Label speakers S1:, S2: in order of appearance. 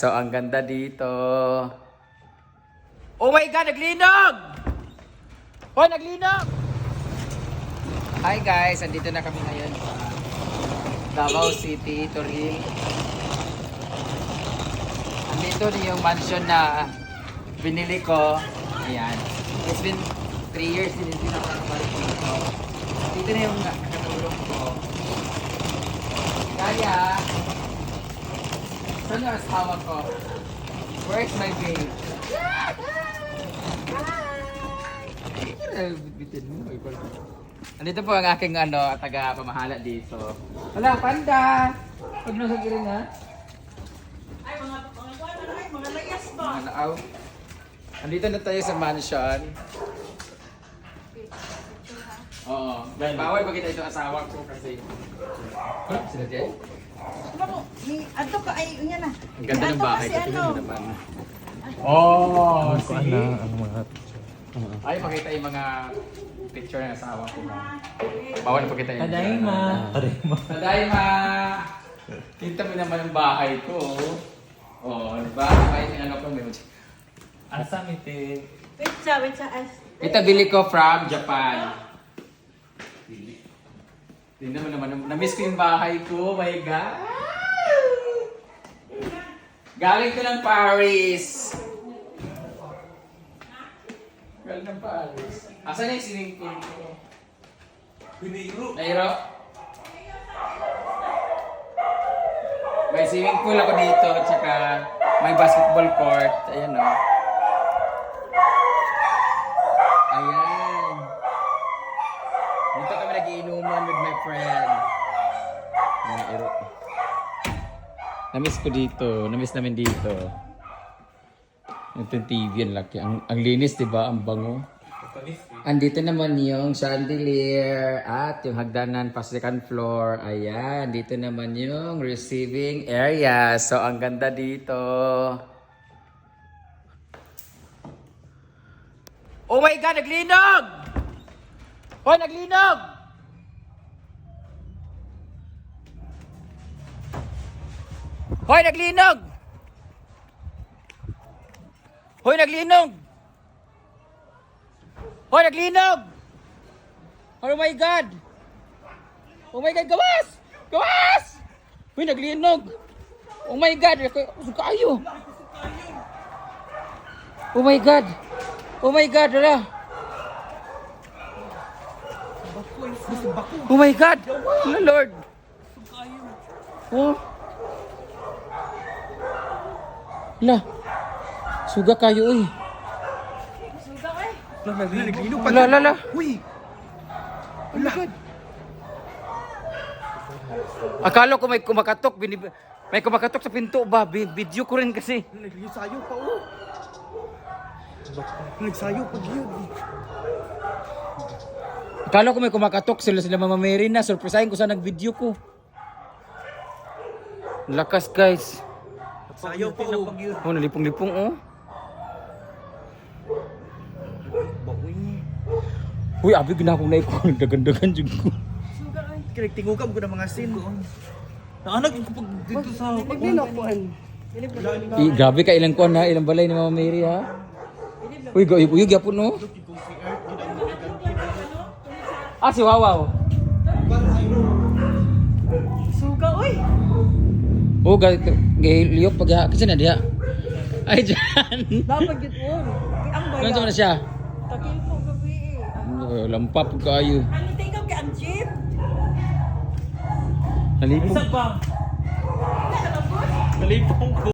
S1: So, ang ganda dito. Oh my God! Naglinog! Oh, naglinog! Hi guys! Andito na kami ngayon sa Davao City, Toril. Andito na yung mansion na binili ko. Ayan. It's been 3 years din hindi na nakabalik dito. Dito na yung nakatulong ko. Kaya, saan yung asawa ko? Where's my babe? Andito po ang aking taga-pamahala dito. Wala, panda! Huwag nang sagirin ha.
S2: Ay, mga layas ba?
S1: Mga naaw. Andito na tayo sa mansion. Oo. Bawal pa kita itong asawa ko kasi. Sila dyan?
S2: Ano, ato ka, ay, yan na.
S1: Ang ganda ng bahay.
S2: Kasi
S1: Tingnan mo
S2: ano,
S1: naman. Oh, see?
S3: Ang mga
S1: Ay, pakita yung mga picture ng asawa ko. Bawal pa kita yung
S3: Tadayma.
S1: Tadayma! Tinta mo naman ang bahay ko. Oh, diba? May ano ko, may
S3: Asa mite.
S2: wait sa,
S1: ito bili ko from Japan. Tingnan mo naman, na-miss ko yung bahay ko. Oh my God! Galing ko ng Paris. Galing ng Paris. Asan na yung swimming pool ko? Nairo? May swimming pool ako dito, tsaka may basketball court. Ayan o. Ayan. Dito kami nagiinuman with my friend. Nairo. Namiss ko dito. Namiss namin dito. Ito yung TV, ang laki. Ang linis, di ba? Ang bango. Andito naman yung chandelier at yung hagdanan pa second floor. Ayan, dito naman yung receiving area. So, ang ganda dito. Oh my God, naglinog! Oh, naglinog! Hoy, naglinog! Hoy, naglinog! Hoy, naglinog! Oh my God! Oh my God, gawas! Gawas! Hoy, naglinog! Oh my God! Kayo! Oh my God! Oh my God, wala! Oh my God! Oh Lord! Oh! Wala! Suga kayo eh!
S2: suga eh.
S1: Wala, wala!
S3: Uy!
S1: Oh my God! Akala ko may kumakatok, may kumakatok sa pinto ba? Video ko rin kasi.
S3: Nagsayo pa oh. Nagsayo pa yun.
S1: Akala ko may kumakatok sila Mama Mary na. Surprisahin ko sa nag-video ko. Lakas guys.
S3: Sayo pa oh.
S1: Oh, nalipong-lipong oh. Uy, abi ginakong na ko. Nagdagandagan dyan ko.
S2: Suga eh.
S3: Kinagtingugam ko ng mga scene ko. Naanag yung kapag dito sa...
S1: Grabe ka ilang kuwan ha. Ilang balay ni Mama Mary ha. Uy, uyog yapon no. Ah, si Wawaw.
S2: Suga, oy.
S1: Oh, liyok pag kasi na diha. Ay, dyan.
S2: Dapat yun. Ang
S1: Ganun
S2: bayan.
S1: na siya.
S2: Takil po gabi eh.
S1: Lampap kayo.
S2: Ano tingkap kay ang jeep?
S1: Nalipong.
S3: Isa pa. Nalipong ko.